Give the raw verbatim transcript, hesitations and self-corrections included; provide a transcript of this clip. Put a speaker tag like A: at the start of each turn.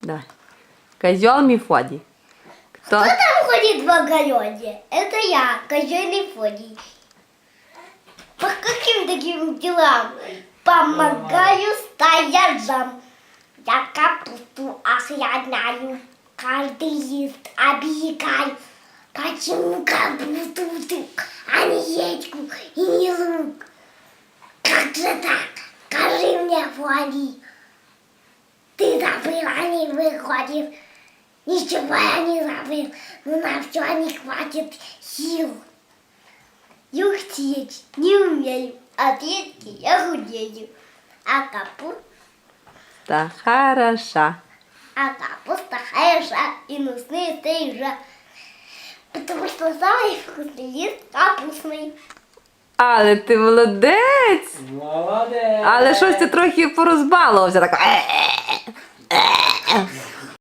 A: Да. Козел Мефодий. Кто?
B: Кто там ходит в огороде? Это я, козел Мефодий. По каким таким делам? Помогаю стояжам. Я капусту охраняю. Каждый лист объегаю. Почему капусту ты, а не редьку и не лук? Как же так? Скажи мне, Фоди. Ты забыла, не выходит. Ничего я не забыл, но на все не хватит сил. Юхтеть не умею, а ветки я худею. А капуста,
A: Да, хороша.
B: а капуста хороша и нужны стрижа. Потому что самый вкусный лист капустный.
A: Але ти молодець!
C: Молодець!
A: Але щось ти трохи порозбалувався. Так.